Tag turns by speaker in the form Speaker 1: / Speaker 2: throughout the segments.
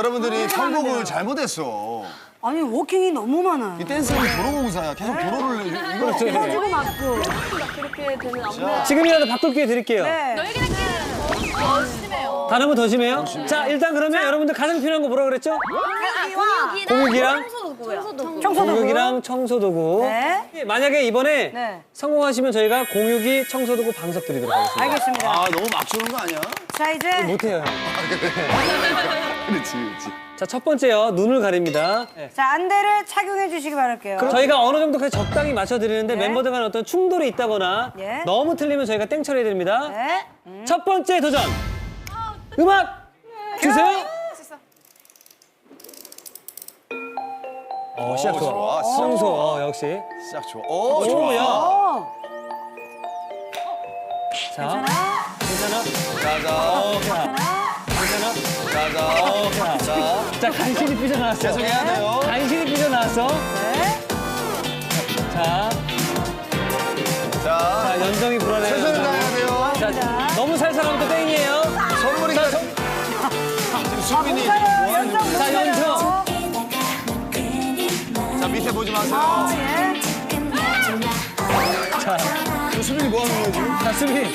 Speaker 1: 여러분들이 선곡을 잘못했어.
Speaker 2: 아니 워킹이 너무 많아요.
Speaker 1: 이 댄스는 도로공사야. 계속 도로를 이거
Speaker 2: 터지고 맞고.
Speaker 3: 그렇게 되는 안무.
Speaker 4: 지금이라도 바꿀 기회 드릴게요.
Speaker 2: 네.
Speaker 3: 너희들끼리 더 심해요.
Speaker 4: 다른 분 더 심해요? 자, 일단 그러면 여러분들 가장 필요한 거 뭐라 그랬죠? 공육이랑 공육이랑 청소도구.
Speaker 2: 네.
Speaker 4: 만약에 이번에
Speaker 2: 네.
Speaker 4: 성공하시면 저희가 공육이 청소도구 방석 드리도록 하겠습니다.
Speaker 2: 알겠습니다.
Speaker 1: 아 너무 막 주는 거 아니야?
Speaker 2: 자 이제
Speaker 4: 못해요.
Speaker 1: 그렇지 그렇지.
Speaker 4: 자, 첫 번째요. 눈을 가립니다. 네.
Speaker 2: 자 안대를 착용해 주시기 바랄게요.
Speaker 4: 그럼 저희가 어느 정도까지 적당히 맞춰드리는데
Speaker 2: 네.
Speaker 4: 멤버들 간에 어떤 충돌이 있다거나
Speaker 2: 예.
Speaker 4: 너무 틀리면 저희가 땡 처리해드립니다.
Speaker 2: 네.
Speaker 4: 첫 번째 도전. 음악 주세요. 시작 좋아.
Speaker 1: 좋아.
Speaker 4: 청소 역시.
Speaker 1: 시작 좋아. 오 좋아.
Speaker 4: 야.
Speaker 2: 어.
Speaker 4: 자, 괜찮아?
Speaker 1: 자자.
Speaker 4: 괜찮아?
Speaker 1: 자자. 자.
Speaker 4: 자, 간신히 삐져나왔어.
Speaker 1: 계속해야 돼요.
Speaker 4: 간신히 삐져나왔어.
Speaker 2: 네.
Speaker 4: 자,
Speaker 1: 자.
Speaker 4: 연정이 불안해요.
Speaker 1: 최선을 다해야 돼요.
Speaker 4: 자, 너무 살살하면 또 땡이에요.
Speaker 1: 선물이
Speaker 4: 자,
Speaker 1: 지금 수빈이
Speaker 2: 못가요. 연정 못
Speaker 4: 자,
Speaker 2: 가요.
Speaker 4: 연정.
Speaker 1: 자 밑에 보지 마세요.
Speaker 2: 예.
Speaker 4: 자,
Speaker 1: 저 수빈이 뭐 하는 거야 지금?
Speaker 4: 자, 수빈.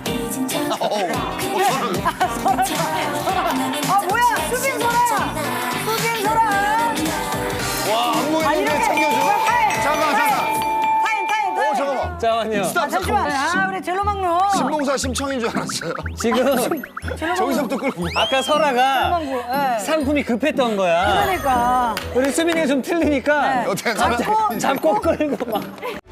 Speaker 2: 아 뭐야 수빈 소라야. 수빈 소라.
Speaker 1: 와 안무 있는데 챙겨줘. 잠깐만.
Speaker 2: 타임.
Speaker 1: 잠깐만.
Speaker 4: 잠깐만요.
Speaker 1: 스탑.
Speaker 2: 잠시만. 아 우리 젤로 막루.
Speaker 1: 신봉사 심청인 줄 알았어요.
Speaker 4: 지금
Speaker 1: 저기서부터 끌고.
Speaker 4: 아까 설아가
Speaker 2: 막루. 예.
Speaker 4: 상품이 급했던 거야.
Speaker 2: 그러니까.
Speaker 4: 우리 수빈이가 좀 틀리니까
Speaker 2: 네.
Speaker 1: 어떻게
Speaker 4: 잡고 끌고 막.